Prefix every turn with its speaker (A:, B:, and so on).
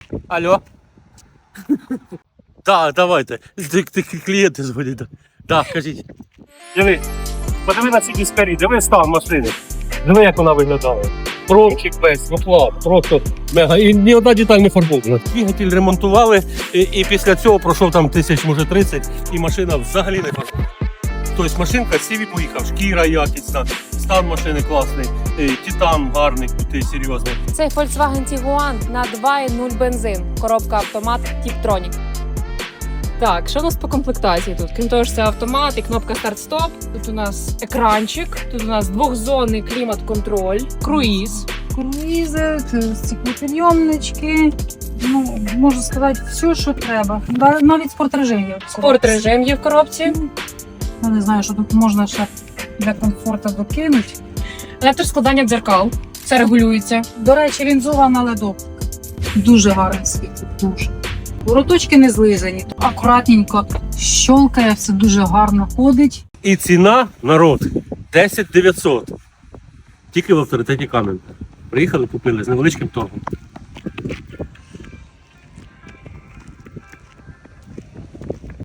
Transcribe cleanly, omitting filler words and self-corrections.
A: Алло. Так, давайте. Клієнти дзвонять. Так, кажіть. Диви, подиви на ці диспері, диви стан машини. Диви, як вона виглядає. Промчик весь, вихлоп, просто мега. І ні одна деталь не фарбована. Двигатель ремонтували, і після цього пройшов там 1000, може 30, і машина взагалі не фарбована. Тобто машинка сіві поїхав, шкіра якісна, стан машини класний, титан гарний, крутий, серйозний.
B: Цей Volkswagen Tiguan на 2.0 бензин, коробка автомат Tiptronic. Так, що у нас по комплектації тут? Крім того, що це автомат і кнопка старт-стоп. Тут у нас екранчик, тут у нас двохзонний клімат-контроль, круїз.
C: Круїзи, стеклопідйомнички, ну, можу сказати, все, що треба. Навіть спортрежим є.
B: Спортрежим є в коробці.
C: Я не знаю, що тут можна ще для комфорту докинути.
B: Електроскладання дзеркал. Все регулюється.
C: До речі, лінзована ледовка. Дуже гарний світ, дуже. Вороточки не злизані, акуратненько щолкає, все дуже гарно ходить.
A: І ціна, народ, 10 900. Тільки в авторитеті Кам'янка. Приїхали, купили з невеличким торгом.